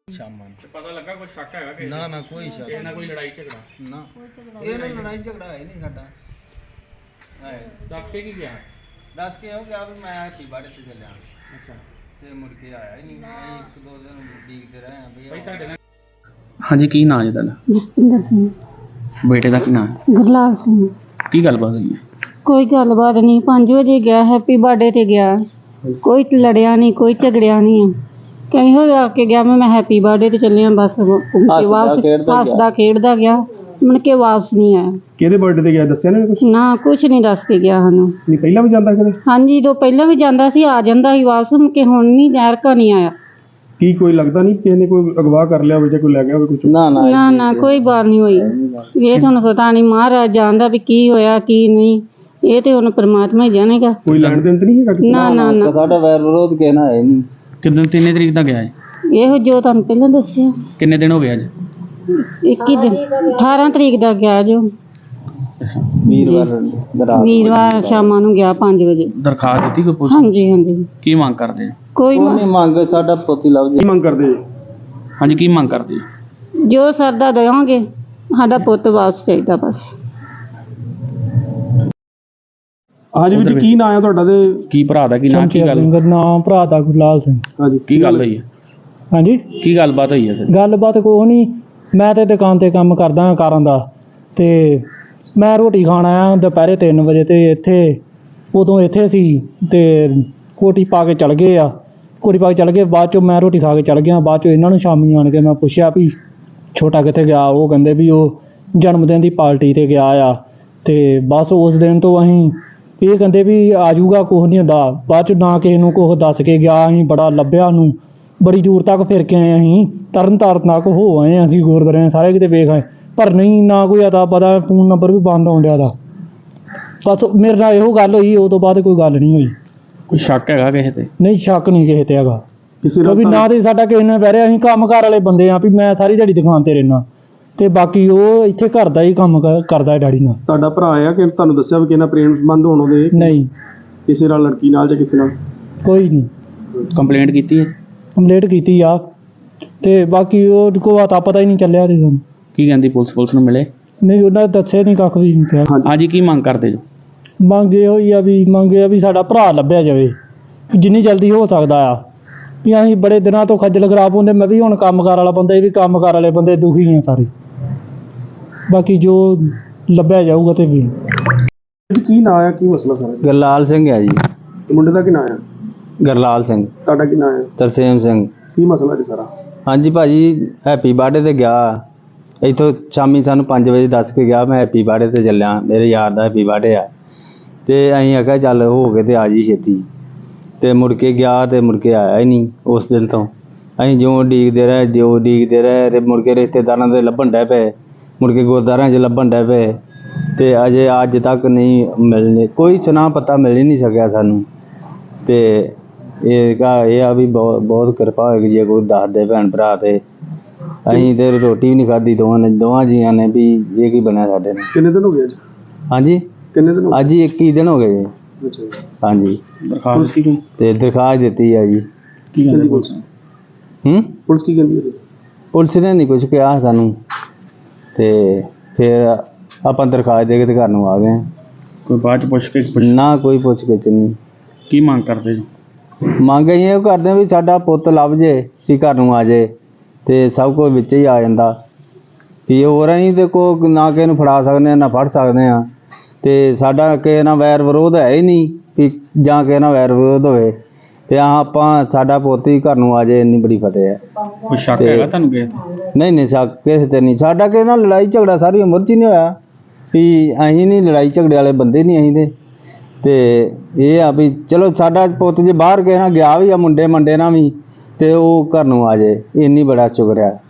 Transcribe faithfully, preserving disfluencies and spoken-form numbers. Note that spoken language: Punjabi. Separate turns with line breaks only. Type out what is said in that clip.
ਸ਼ਾਮਾਂ ਨੂੰ
ਪਤਾ ਲੱਗਾ ਕੋਈ ਸ਼ੱਕ ਹੈਗਾ ਕਿ
ਨਾ ਨਾ ਕੋਈ ਸ਼ੱਕ
ਇਹਨਾਂ ਕੋਈ ਲੜਾਈ ਝਗੜਾ
ਨਾ ਇਹਨਾਂ ਲੜਾਈ ਝਗੜਾ ਹੈ ਨਹੀਂ ਸਾਡਾ ਹੈ
ਦੱਸ ਕੇ ਕੀ ਗਿਆ
ਦੱਸ ਕੇ ਉਹ ਗਿਆ ਵੀ ਮੈਂ ਹੈਪੀ ਬਰਥਡੇ ਤੇ ਚੱਲਿਆ
ਅੱਛਾ
ਤੇ ਮੁੜ ਕੇ ਆਇਆ ਹੀ ਨਹੀਂ ਅਸੀਂ ਇੱਕ ਦੋ ਦਿਨ ਉਡੀਕਦੇ ਰਹੇ ਆ ਵੀ
ਭਾਈ ਤੁਹਾਡੇ ਨਾਲ
ਹਾਂਜੀ ਕੀ ਨਾਂ ਹੈ ਤੁਹਾਡਾ?
ਜਸਪਿੰਦਰ ਸਿੰਘ।
ਬੇਟੇ ਦਾ ਕੀ ਨਾਂ ਹੈ?
ਗੁਰਲਾਲ ਸਿੰਘ।
ਕੀ ਗੱਲਬਾਤ ਹੋਈ ਹੈ?
ਕੋਈ ਗੱਲਬਾਤ ਨਹੀਂ, ਪੰਜ ਵਜੇ ਗਿਆ, ਹੈਪੀ ਬਰਥਡੇ ਤੇ ਗਿਆ, ਕੋਈ ਲੜਿਆ ਨਹੀਂ, ਕੋਈ ਝਗੜਿਆ ਨਹੀਂ। ਕਹੀਂ ਹੋ ਆ ਕੇ ਗਿਆ, ਮੈਂ ਹੈਪੀ ਬਰਥਡੇ ਤੇ ਚੱਲਿਆ, ਬਸ ਵਾਪਸ ਹੱਸਦਾ ਖੇਡਦਾ ਗਿਆ, ਮੁੜ ਕੇ ਵਾਪਸ ਨਹੀਂ ਆਇਆ।
ਕਿਹਦੇ ਬਰਥਡੇ ਤੇ ਗਿਆ ਦੱਸਿਆ ਨਾ ਕੁਝ?
ਨਾ ਕੁਛ ਨਹੀਂ ਦੱਸ ਕੇ ਗਿਆ ਸਾਨੂੰ।
ਨਹੀਂ ਪਹਿਲਾਂ ਵੀ ਜਾਂਦਾ ਕਦੇ?
ਹਾਂਜੀ ਜਦੋਂ ਪਹਿਲਾਂ ਵੀ ਜਾਂਦਾ ਸੀ ਆ ਜਾਂਦਾ ਸੀ ਵਾਪਸ, ਮੁੜ ਕੇ ਹੁਣ ਨਹੀਂ ਐਰਕਾ ਨਹੀਂ ਆਇਆ।
ਕੀ ਕੋਈ ਲੱਗਦਾ ਨਹੀਂ ਕਿਸੇ ਨੇ ਕੋਈ ਅਗਵਾ ਕਰ ਲਿਆ ਹੋਵੇ ਜਾਂ ਕੋਈ ਲੈ ਗਿਆ ਹੋਵੇ ਕੁਝ?
ਨਾ ਨਾ
ਨਾ ਨਾ ਕੋਈ ਬਾਤ ਨਹੀਂ ਹੋਈ। ਇਹ ਤੁਹਾਨੂੰ ਪਤਾ ਨਹੀਂ, ਮਹਾਰਾਜ ਜਾਣਦਾ ਵੀ ਕੀ ਹੋਇਆ ਕੀ ਨਹੀਂ, ਇਹ ਤੇ ਹੁਣ ਪਰਮਾਤਮਾ ਹੀ ਜਾਣੇਗਾ।
ਕੋਈ ਲੈਣ ਦੇਣ ਤੇ ਨਹੀਂ ਹੈਗਾ ਕਿਸੇ
ਨਾ ਨਾ ਨਾ
ਸਾਡਾ ਵੈਰ ਵਿਰੋਧ ਕਹਿਣਾ ਹੈ ਨਹੀਂ। ਕਿੰਨੇ ਤਿੰਨੇ ਤਰੀਕ ਦਾ ਗਿਆ ਹੈ?
ਇਹੋ ਜੋ ਤੁਹਾਨੂੰ ਪਹਿਲਾਂ ਦੱਸਿਆ।
ਕਿੰਨੇ ਦਿਨ ਹੋ ਗਏ ਅੱਜ?
ਇੱਕੀ ਦਿਨ, ਅਠਾਰਾਂ ਤਰੀਕ ਦਾ ਗਿਆ ਜੋ
ਵੀਰਵਾਰ
ਵੀਰਵਾਰ ਸ਼ਾਮਾਂ ਨੂੰ ਗਿਆ ਪੰਜ ਵਜੇ।
ਦਰਖਾਸਤ ਦਿੱਤੀ ਕੋਈ ਪੁਲਿਸ?
ਹਾਂਜੀ ਹਾਂਜੀ
ਕੀ ਮੰਗ ਕਰਦੇ ਹੋ?
ਕੋਈ
ਨਹੀਂ ਮੰਗ ਸਾਡਾ ਪੋਤੀ ਲੱਭ
ਕੀ ਮੰਗ ਕਰਦੇ?
ਹਾਂਜੀ ਕੀ ਮੰਗ ਕਰਦੇ ਹੋ?
ਜੋ ਸਰਦਾ ਦੇਵਾਂਗੇ, ਸਾਡਾ ਪੁੱਤ ਵਾਪਸ ਚਾਹੀਦਾ ਬਸ।
ਹਾਂਜੀ ਵੀਰ ਕੀ ਨਾਂ ਆ ਤੁਹਾਡਾ ਤੇ
ਕੀ ਭਰਾ ਦਾ ਕੀ ਨਾਂ? ਕੀ ਗੱਲ?
ਨਾਮ ਭਰਾ ਦਾ ਗੁਰਲਾਲ ਸਿੰਘ।
ਹਾਂਜੀ
ਕੀ ਗੱਲ ਹੋਈ ਹੈ?
ਹਾਂਜੀ
ਕੀ ਗੱਲਬਾਤ ਹੋਈ ਹੈ ਸਰ?
ਗੱਲਬਾਤ ਕੋਈ ਨਹੀਂ, ਮੈਂ ਤੇ ਦੁਕਾਨ ਤੇ ਕੰਮ ਕਰਦਾ ਹਾਂ ਕਾਰਾਂ ਦਾ, ਤੇ ਮੈਂ ਰੋਟੀ ਖਾਣ ਆਇਆ ਦੁਪਹਿਰੇ ਤਿੰਨ ਵਜੇ, ਤੇ ਇੱਥੇ ਉਦੋਂ ਇੱਥੇ ਸੀ ਤੇ ਕੋਟੀ ਪਾ ਕੇ ਚਲ ਗਏ ਆ, ਕੋਟੀ ਪਾ ਕੇ ਚਲ ਗਏ। ਬਾਅਦ ਚੋਂ ਮੈਂ ਰੋਟੀ ਖਾ ਕੇ ਚਲ ਗਿਆ, ਬਾਅਦ ਚੋਂ ਇਹਨਾਂ ਨੂੰ ਸ਼ਾਮੀ ਆਣ ਕੇ ਮੈਂ ਪੁੱਛਿਆ ਵੀ ਛੋਟਾ ਕਿੱਥੇ ਗਿਆ? ਉਹ ਕਹਿੰਦੇ ਵੀ ਉਹ ਜਨਮ ਦਿਨ ਦੀ ਪਾਰਟੀ ਤੇ ਗਿਆ ਆ। ਤੇ ਬਸ ਉਸ ਦਿਨ ਤੋਂ ਅਸੀਂ ਇਹ ਕਹਿੰਦੇ ਵੀ ਆ ਜਾਊਗਾ, ਕੁਛ ਨਹੀਂ ਹੁੰਦਾ। ਬਾਅਦ ਚ ਨਾ ਕਿਸੇ ਨੂੰ ਕੁਛ ਦੱਸ ਕੇ ਗਿਆ, ਅਸੀਂ ਬੜਾ ਲੱਭਿਆ ਨੂੰ, ਬੜੀ ਦੂਰ ਤੱਕ ਫਿਰ ਕੇ ਆਏ, ਅਸੀਂ ਤਰਨ ਤਾਰਨ ਤੱਕ ਹੋ ਆਏ, ਅਸੀਂ ਗੁਰਦੁਆਰੇ ਸਾਰੇ ਕਿਤੇ ਵੇਖ ਆਏ, ਪਰ ਨਹੀਂ ਨਾ ਕੋਈ ਅਤਾ ਪਤਾ, ਫੋਨ ਨੰਬਰ ਵੀ ਬੰਦ ਆਉਣ ਡਿਆ ਦਾ। ਬਸ ਮੇਰੇ ਨਾਲ ਇਹੋ ਗੱਲ ਹੋਈ, ਉਹ ਤੋਂ ਬਾਅਦ ਕੋਈ ਗੱਲ ਨਹੀਂ ਹੋਈ।
ਕੋਈ ਸ਼ੱਕ ਹੈਗਾ ਕਿਸੇ ਤੇ?
ਨਹੀਂ ਸ਼ੱਕ ਨਹੀਂ ਕਿਸੇ ਤੇ ਹੈਗਾ,
ਕਿਸੇ
ਕਿਉਂਕਿ
ਨਾਲ
ਨਾ ਤੇ ਸਾਡਾ ਕਿਸੇ ਨੇ ਬਹਿ ਰਿਹਾ, ਅਸੀਂ ਕੰਮਕਾਰ ਵਾਲੇ ਬੰਦੇ ਆ ਵੀ ਮੈਂ ਸਾਰੀ ਦਿਹਾੜੀ ਦੁਕਾਨ ਤੇ ਰਹਿਣਾ, ਤੇ ਬਾਕੀ ਉਹ ਇੱਥੇ ਘਰ ਦਾ ਹੀ ਕੰਮ ਕ- ਕਰਦਾ ਹੈ ਡੈਡੀ ਨਾਲ।
ਤੁਹਾਡਾ ਭਰਾ ਆ ਕਿ ਤੁਹਾਨੂੰ ਦੱਸਿਆ ਵੀ ਕਿਸੇ ਨਾਲ ਪ੍ਰੇਮ ਸੰਬੰਧ ਹੋਣ ਉਹਦੇ?
ਨਹੀਂ
ਕਿਸੇ ਨਾਲ, ਲੜਕੀ ਨਾਲ ਜਾਂ ਕਿਸੇ ਨਾਲ?
ਕੋਈ ਨਹੀਂ।
ਕੰਪਲੇਂਟ ਕੀਤੀ ਹੈ?
ਕੰਪਲੀਟ ਕੀਤੀ ਆ, ਤੇ ਬਾਕੀ ਉਹ ਕੋਈ ਅਤਾ ਪਤਾ ਹੀ ਨਹੀਂ ਚੱਲਿਆ ਤੇ ਸਾਨੂੰ।
ਕੀ ਕਹਿੰਦੀ ਪੁਲਿਸ? ਪੁਲਿਸ ਨੂੰ ਮਿਲੇ?
ਨਹੀਂ ਉਹਨਾਂ ਨੇ ਦੱਸਿਆ ਨਹੀਂ, ਕੱਖ ਵੀ ਨਹੀਂ ਕਿਹਾ।
ਹਾਂਜੀ ਕੀ ਮੰਗ ਕਰਦੇ ਜੋ?
ਮੰਗੇ ਹੋਈ ਆ ਵੀ ਮੰਗੇ ਆ ਵੀ ਸਾਡਾ ਭਰਾ ਲੱਭਿਆ ਜਾਵੇ, ਵੀ ਜਿੰਨੀ ਜਲਦੀ ਹੋ ਸਕਦਾ ਆ। ਵੀ ਅਸੀਂ ਬੜੇ ਦਿਨਾਂ ਤੋਂ ਖੱਜਲ ਖਰਾਬ ਹੁੰਦੇ, ਮੈਂ ਵੀ ਹੁਣ ਕੰਮਕਾਰ ਵਾਲਾ ਬੰਦਾ, ਇਹ ਵੀ ਕੰਮਕਾਰ ਵਾਲੇ ਬੰਦੇ ਦੁਖੀ ਆ ਸਾਰੇ। ਬਾਕੀ ਜੋ ਲੱਭਿਆ ਜਾਊਗਾ ਤੇ ਵੀ।
ਕੀ ਨਾਂ ਆ, ਕੀ ਮਸਲਾ ਸਾਰਾ?
ਗੁਰਲਾਲ ਸਿੰਘ ਹੈ ਜੀ।
ਤੇ ਮੁੰਡੇ ਦਾ ਕੀ ਨਾਂ ਆ?
ਗੁਰਲਾਲ ਸਿੰਘ।
ਤੁਹਾਡਾ ਕੀ ਨਾਂ ਆ?
ਤਰਸੇਮ ਸਿੰਘ।
ਕੀ ਮਸਲਾ ਜੀ ਸਾਰਾ?
ਹਾਂਜੀ ਭਾਜੀ, ਹੈਪੀ ਬਰਥਡੇ ਤੇ ਗਿਆ, ਇੱਥੋਂ ਸ਼ਾਮੀ ਸਾਨੂੰ ਪੰਜ ਵਜੇ ਦੱਸ ਕੇ ਗਿਆ ਮੈਂ ਹੈਪੀ ਬਰਥਡੇ ਤੇ ਚੱਲਿਆ, ਮੇਰੇ ਯਾਰ ਦਾ ਹੈਪੀ ਬਰਥਡੇ ਆ। ਤੇ ਅਸੀਂ ਆਖਿਆ ਚੱਲ ਹੋ ਕੇ ਤੇ ਆ ਜੀ ਛੇਤੀ, ਤੇ ਮੁੜ ਕੇ ਗਿਆ ਤੇ ਮੁੜ ਕੇ ਆਇਆ ਹੀ ਨਹੀਂ। ਉਸ ਦਿਨ ਤੋਂ ਅਸੀਂ ਜਿਉਂ ਉਡੀਕਦੇ ਰਹੇ, ਜਿਉਂ ਉਡੀਕਦੇ ਰਹੇ, ਤੇ ਮੁੜ ਕੇ ਰਿਸ਼ਤੇਦਾਰਾਂ ਦੇ ਲੱਭਣ ਡੈ ਪਏ, ਮੁੜ ਕੇ ਗੁਰਦੁਆਰਿਆਂ 'ਚ ਲੱਭਣ ਡੈ ਪਏ, ਤੇ ਅਜੇ ਅੱਜ ਤੱਕ ਨਹੀਂ ਮਿਲਣੇ, ਕੋਈ ਸੁਨਾ ਪਤਾ ਮਿਲ ਹੀ ਨਹੀਂ ਸਕਿਆ ਸਾਨੂੰ। ਤੇ ਇਹ ਕਾ ਇਹ ਆ ਵੀ ਬਹੁਤ ਬਹੁਤ ਕਿਰਪਾ ਹੋਏਗੀ ਜੇ ਕੋਈ ਦੱਸ ਦੇ ਭੈਣ ਭਰਾ, ਤੇ ਅਸੀਂ ਤੇ ਰੋਟੀ ਵੀ ਨਹੀਂ ਖਾਧੀ ਦੋਵਾਂ ਨੇ, ਦੋਵਾਂ ਜੀਆਂ ਨੇ, ਵੀ ਇਹ ਕੀ ਬਣਿਆ ਸਾਡੇ ਨਾਲ।
ਕਿੰਨੇ ਦਿਨ ਹੋ ਗਏ ਅੱਜ?
ਹਾਂਜੀ
ਕਿੰਨੇ ਦਿਨ ਹੋ
ਅੱਜ ਹੀ ਇੱਕੀ ਦਿਨ ਹੋ ਗਏ ਜੀ।
ਗਏ? ਅੱਛਾ ਜੀ।
ਹਾਂਜੀ
ਦਰਖਾਸਤ ਕੀ ਕਹਿੰਦੀ?
ਤੇ ਦਰਖਾਸਤ ਦਿੱਤੀ ਆ ਜੀ।
ਕੀ ਕਹਿੰਦੀ ਪੁਲਿਸ?
ਹੂੰ
ਪੁਲਿਸ ਕੀ ਕਹਿੰਦੀ ਹੈ?
ਪੁਲਿਸ ਨੇ ਨਹੀਂ ਕੁਝ ਕਿਹਾ ਸਾਨੂੰ, ਤੇ ਫਿਰ ਆਪਾਂ ਦਰਖਾਸਤ ਦੇ ਕੇ ਤੇ ਘਰ ਨੂੰ ਆ ਗਏ।
ਕੋਈ ਬਾਅਦ ਚ ਪੁੱਛ ਕੇ
ਨਾ ਕੋਈ ਪੁੱਛ ਗਿੱਛ ਨਹੀਂ।
ਕੀ ਮੰਗ ਕਰਦੇ ਜੋ?
ਮੰਗ ਅਸੀਂ ਇਹ ਕਰਦੇ ਵੀ ਸਾਡਾ ਪੁੱਤ ਲੱਭ ਜੇ, ਵੀ ਘਰ ਨੂੰ ਆ ਜੇ, ਤੇ ਸਭ ਕੁਝ ਵਿੱਚ ਹੀ ਆ ਜਾਂਦਾ। ਵੀ ਹੋਰ ਅਸੀਂ ਤੇ ਕੋ ਨਾ ਕਿਸੇ ਨੂੰ ਫੜਾ ਸਕਦੇ ਹਾਂ ਨਾ ਫੜ ਸਕਦੇ ਹਾਂ, ਤੇ ਸਾਡਾ ਕਿਸੇ ਨਾਲ ਵੈਰ ਵਿਰੋਧ ਹੈ ਹੀ ਨਹੀਂ ਵੀ ਜਾਂ ਕਿਸੇ ਨਾਲ ਵੈਰ ਵਿਰੋਧ ਹੋਵੇ, ਤੇ ਆਹ ਆਪਾਂ ਸਾਡਾ ਪੁੱਤ ਹੀ ਘਰ ਨੂੰ ਆ ਜਾਏ, ਇੰਨੀ ਬੜੀ ਫਤਿਹ ਹੈ।
ਕੋਈ ਸ਼ੱਕ
ਤੇ-
ਹੈਗਾ ਤੁਹਾਨੂੰ ਕਿਸੇ ਤੇ?
ਨਹੀਂ ਨਹੀਂ ਸ਼ੱਕ ਕਿਸੇ ਤੇ ਨਹੀਂ, ਸਾਡਾ ਕਿਸੇ ਨਾਲ ਲੜਾਈ ਝਗੜਾ ਸਾਰੀ ਉਮਰ 'ਚ ਹੀ ਨਹੀਂ ਹੋਇਆ, ਵੀ ਅਸੀਂ ਨਹੀਂ ਲੜਾਈ ਝਗੜੇ ਵਾਲੇ ਬੰਦੇ ਨਹੀਂ ਅਸੀਂ ਤੇ। ਤੇ ਇਹ ਆ ਵੀ ਚਲੋ ਸਾਡਾ ਪੁੱਤ ਜੇ ਬਾਹਰ ਕਿਸੇ ਨਾਲ ਗਿਆ ਵੀ ਆ, ਮੁੰਡੇ ਮੰਡੇ ਨਾਲ ਵੀ, ਤੇ ਉਹ ਘਰ ਨੂੰ ਆ ਜਾਏ, ਇੰਨੀ ਬੜਾ ਸ਼ੁਕਰ ਹੈ।